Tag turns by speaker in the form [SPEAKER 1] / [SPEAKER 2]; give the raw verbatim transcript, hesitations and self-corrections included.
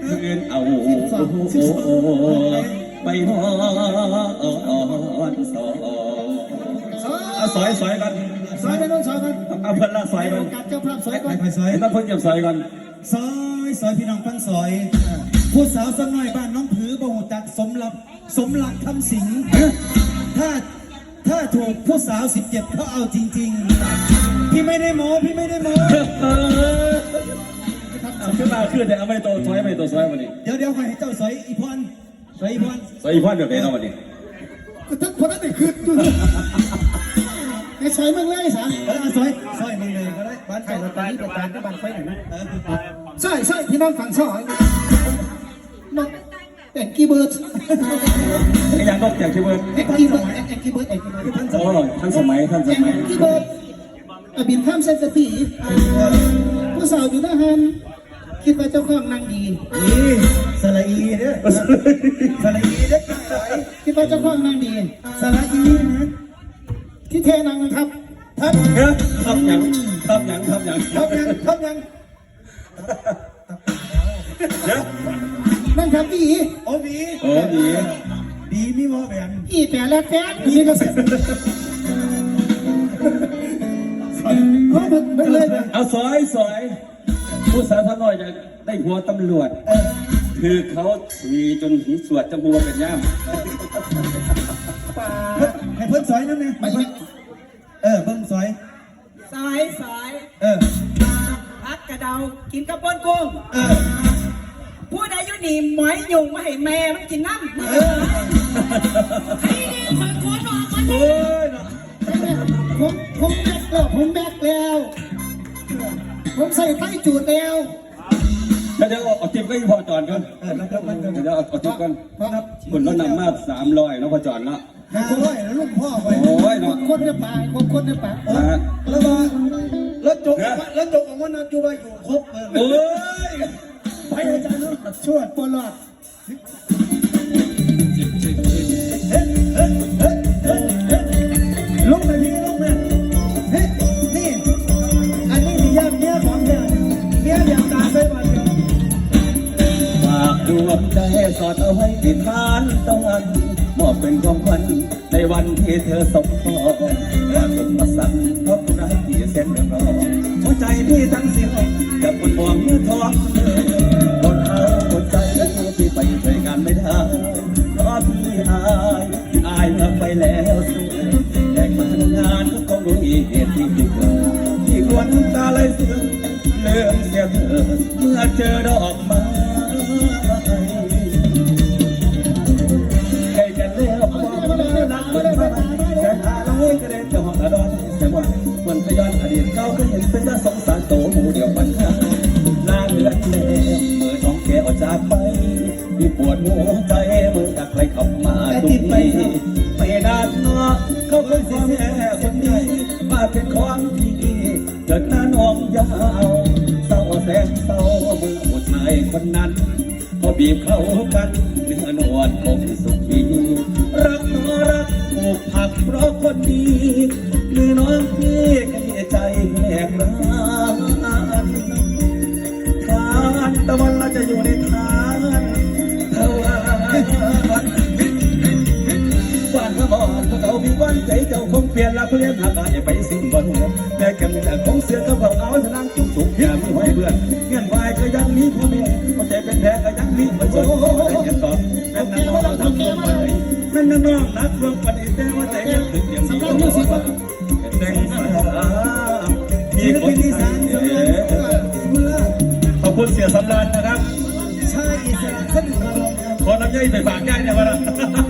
[SPEAKER 1] เงินเอาไปนอนสอสอยสอยกัน
[SPEAKER 2] ซอยไปโน่นซอยกัน
[SPEAKER 1] เอาเพิ่นละซอยกัน
[SPEAKER 2] กัดเจ้าภาพซอยกัน
[SPEAKER 3] ไปซอย
[SPEAKER 1] ต้องเพิ่นจะซอยกัน
[SPEAKER 3] ซอยซอยพี่น้องฟังซอยผู้สาวสักหน่อยบ้านน้องผือบ่หูจักสมรับสมรักคำสิงถ้าถ้าถูกผู้สาวสิบเจ็ดเขาเอาจริงๆพี่ไม่ได้โม้พี่ไม่ได้โม้
[SPEAKER 1] ขึ้นมาขึ้นแต่เอาไม่โตซอยไม่โตซอยวันนี้
[SPEAKER 3] เดี๋ยวเดี๋ยวใครให้เจ้าซอยอีพอนซอยอีพอน
[SPEAKER 1] ซอยอีพอนเดี๋ยวไปเอาวันนี้
[SPEAKER 2] ก็ทั้งคนนั้นได้คืนไอ้ซอยมึงเลยสาม
[SPEAKER 3] เออซอยซอยมึงเลยก็ได้บ้านใครเราตอนนี้ประการก็บ้านไฟหน่อยนะ
[SPEAKER 2] ซอยซอยพี่น้องฝั่งซอยน้องแต่งกี้เบิร์ด
[SPEAKER 1] ไอ้ยังนกจากที่เบิร์ด
[SPEAKER 2] แองกี้เบิร์ดแองกี้เบิร์ดแองกี้เบิร์ด
[SPEAKER 1] ท่านสมัยท่านสมัยท่านสมัย
[SPEAKER 2] แองกี้เบิร์ดบินข้ามเส้นสตีผู้สาวอยู่หน้าฮันคิดว่าเจ้าของนางดี
[SPEAKER 3] นี่สระอีเนี่ยสระอีเนี่ย
[SPEAKER 2] คิดว่าเจ้าของนางดี
[SPEAKER 3] สระอีนะ
[SPEAKER 2] ที่เทนางนะครับทับ
[SPEAKER 1] ทับยังทับยังทับยัง
[SPEAKER 2] ทับยังทับยังนั่งครับดี
[SPEAKER 3] โอ้ดี
[SPEAKER 1] โอ้ดี
[SPEAKER 3] ดีมีโมแบน
[SPEAKER 2] อีแต่แล้วแกดีก็เสร็จ
[SPEAKER 1] เอาซอยซอยผู้สาวท่านน้อยจะได้หัวตำรวจคือเขามีจนหีสวดจมูกเป็นย่าม
[SPEAKER 3] ให้เพิ่นซอยนั่นไงเออเพิ่นซอย
[SPEAKER 4] ซอยซอย
[SPEAKER 3] เออ
[SPEAKER 4] พักกระเดากินกระปนกุ้ง
[SPEAKER 3] เออ
[SPEAKER 4] พูดอายุนี่หมอยยุงมาให้แม่มันกินน้ำเออไอ้นี่คนโคตรบอกมันเลย
[SPEAKER 2] ผมผมแบกแล้วผมแบกแล้วผมใส่ไฟจูดแล้ว
[SPEAKER 1] เดี๋ยวเอาจิ๊บก็ยังพอจอดกัน
[SPEAKER 3] เออนะครับมันก็
[SPEAKER 1] เดี๋ยวเอาจิ๊บกันคนรถนำมาสามร้อยแล้วพอจอดละ
[SPEAKER 3] ห้าร้อยแล้วลูกพ่อไป
[SPEAKER 1] โอ้ยเนาะ
[SPEAKER 2] คนในป่าคนคนในป่า
[SPEAKER 3] แล้วมาแล้วจกแล้วจกออกมานั่งอยู่ไปอยู่ครบเลย
[SPEAKER 1] โอ้ย
[SPEAKER 2] ไปอาจารย์ช่วยปลอด
[SPEAKER 3] ลุกเลยพี่ลุกเลยเฮ้ยนี่อันนี้มีญาติเมียของเธอเมียอย่างตาใส่บาตร
[SPEAKER 1] ฝากดวงใจสอดเอาไว้ที่ฐานตะวันมอบเป็นของขวัญในวันที่เธอสมพรว่าเป็นมาสั่งเพราะรักที่เส้นรอหัวใจที่ทั้งสิ้นจะปวดมองเมื่อทองคนเอาหัวใจที่ไปช่วยงานไม่ได้เพราะพี่อายอายเมื่อไปแล้วสุดแต่มางานก็คงรู้เหตุที่ผิดที่ควรตาเลยเสื่อมเลื่อมเสียเธอเมื่อเจอดอกไม้ใครกันเลี้ยวมองนักมันมาแต่อะไรก็ได้จะหอบดอนแต่ว่ามันพยานอดีตเก่าก็เห็นเป็นน่าสงสารโตหมูเดียวมันข้าหน้าเลือดเล่เมื่อน้องแกออกจากไปมีปวดหัวใจเมื่อจากใครเข้ามาตุ้มไม่ไม่นานเนาะเขาเคยเสียคนดีมาเป็นของพี่เกิดหน้าน้องยาวเศร้าแสนเศร้าเมื่อผู้ชายคนนั้นพอบีบเข้ากันเนื้อนวลคงสุขีรักน้อรักผูกผักเพราะคนดีหรือน้องพี่ก็มีใจแหกร้านทานตะวันเราจะอยู่ในทานเท่าวันบ้านเขาบอกพวกเขามีวันใจเจ้าคงเปลี่ยนละเพื่อนหากอย่าไปสิ้นบนแม่กันแต่ของเสือเขาบอกเอาทนางจุกสุกอย่ามีไว้เบื่อเงื่อนวายก็ยังมีพ่อแม่พอใจเป็นแผลก็ยังมีมาจนแต่ยังตอบแม่นั่งน้องทำตัวไปแม่นั่งน้องนักรบปฏิเสธว่าใจยังถึงยังมีความสุขแต่งสามีคนที่สามขอบคุณเสียสำราญนะครับ
[SPEAKER 3] ใช่เสียขึ้น
[SPEAKER 1] ขอน้ำย่อยไปฝากย่ายเนี่ยวะนะ